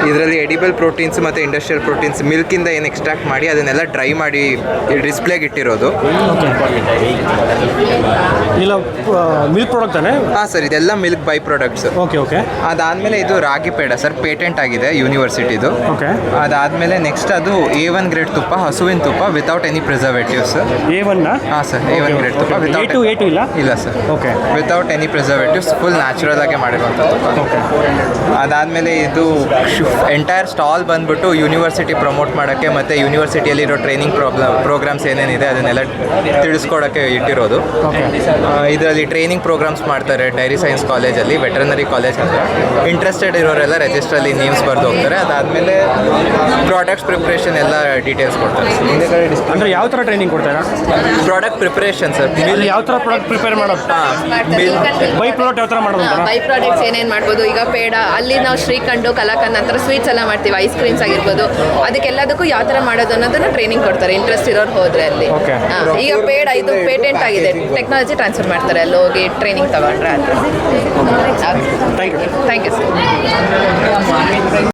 ಇದರಲ್ಲಿ edible proteins ಮತ್ತು industrial proteins ಮಿಲ್ಕಿಂದ ಏನು ಎಕ್ಸ್ಟ್ರಾಕ್ಟ್ ಮಾಡಿ ಅದನ್ನೆಲ್ಲ ಡ್ರೈ ಮಾಡಿ ಡಿಸ್ಪ್ಲೇಗೆ ಇಟ್ಟಿರೋದು. ಇಲ್ಲ ಮಿಲ್ಕ್ ಪ್ರಾಡಕ್ಟ್ ತಾನೆ? ಹಾಂ ಸರ್, ಇದೆಲ್ಲ milk by products. Okay okay. ಅದಾದಮೇಲೆ ಇದು ರಾಗಿ ಪೇಡ ಸರ್, ಪೇಟೆಂಟ್ ಆಗಿದೆ ಯೂನಿವರ್ಸಿಟಿದು. ಓಕೆ. ಅದಾದಮೇಲೆ ನೆಕ್ಸ್ಟ್ ಅದು A1 ಗ್ರೇಡ್ ತುಪ್ಪ, ಹಸುವಿನ ತುಪ್ಪ ವಿತೌಟ್ ಎನಿ ಪ್ರಿಸರ್ವೇಟಿವ್ಸ್. A1 ಹಾಂ ಸರ್, A1 ಗ್ರೇಡ್ ತುಪ್ಪ ವಿತೌಟ್ A2 ಇಲ್ಲ? ಇಲ್ಲ sir. Okay. Without any preservatives, full natural ಆಗಿ ಮಾಡಿರುವಂಥದ್ದು. ಅದಾದಮೇಲೆ ಇದು ಎಂಟೈರ್ ಸ್ಟಾಲ್ ಬಂದ್ಬಿಟ್ಟು ಯೂನಿವರ್ಸಿಟಿ ಪ್ರಮೋಟ್ ಮಾಡೋಕ್ಕೆ ಮತ್ತು ಯೂನಿವರ್ಸಿಟಿಯಲ್ಲಿರೋ ಟ್ರೈನಿಂಗ್ ಪ್ರೋಗ್ರಾಮ್ಸ್ ಏನೇನಿದೆ ಅದನ್ನೆಲ್ಲ ತಿಳಿಸ್ಕೊಡೋಕ್ಕೆ ಇಟ್ಟಿರೋದು. ಇದರಲ್ಲಿ ಟ್ರೈನಿಂಗ್ ಪ್ರೋಗ್ರಾಮ್ಸ್ ಮಾಡ್ತಾರೆ ಡೈರಿ ಸೈನ್ಸ್ ಕಾಲೇಜಲ್ಲಿ, ವೆಟರ್ನರಿ ಕಾಲೇಜ್ ಅಂತ. ಇಂಟ್ರೆಸ್ಟೆಡ್ ಇರೋರೆಲ್ಲ ರಿಜಿಸ್ಟ್ರಲ್ಲಿ ನೇಮ್ಸ್ ಬರೆದು ಹೋಗ್ತಾರೆ. ಅದಾದಮೇಲೆ ಪ್ರಾಡಕ್ಟ್ಸ್ ಪ್ರಿಪ್ರೇಷನ್ ಎಲ್ಲ ಡೀಟೇಲ್ಸ್ ಕೊಡ್ತಾರೆ. ಅಂದರೆ ಯಾವ ಥರ ಟ್ರೈನಿಂಗ್ ಕೊಡ್ತಾರೆ? ಪ್ರಾಡಕ್ಟ್ ಪ್ರಿಪ್ರೇಷನ್ ಸರ್, ಯಾವ ಥರ ಪ್ರಾಡಕ್ಟ್ ಪ್ರಿಪೇರ್ ಮಾಡೋದು? ಬೈ ಪ್ರಾಡಕ್ಟ್ ಯಾವ ಥರ ಮಾಡೋದು? ಬೈ ಪ್ರಾಡಕ್ಟ್ಸ್ ಏನೇನು ಮಾಡ್ಬೋದು, ಈಗ ಪೇಡ ಅಲ್ಲಿ ನಾವು ಶ್ರೀಖಂಡು ಕಲಾಕಂದ್ ನಂತರ ಸ್ವೀಟ್ಸ್ ಎಲ್ಲ ಮಾಡ್ತೀವಿ, ಐಸ್ ಕ್ರೀಮ್ಸ್ ಆಗಿರ್ಬೋದು, ಅದಕ್ಕೆಲ್ಲದಕ್ಕೂ ಯಾವ ಥರ ಮಾಡೋದು ಅನ್ನೋದನ್ನ ಟ್ರೈನಿಂಗ್ ಕೊಡ್ತಾರೆ ಇಂಟ್ರೆಸ್ಟ್ ಇರೋರು ಹೋದ್ರೆ ಅಲ್ಲಿ. ಈಗ ಪೇಡ ಇದು ಪೇಟೆಂಟ್ ಆಗಿದೆ, ಟೆಕ್ನಾಲಜಿ ಟ್ರಾನ್ಸ್ಫರ್ ಮಾಡ್ತಾರೆ ಅಲ್ಲಿ ಹೋಗಿ ಟ್ರೈನಿಂಗ್ ತಗೊಂಡ್ರೆ. Thank you sir.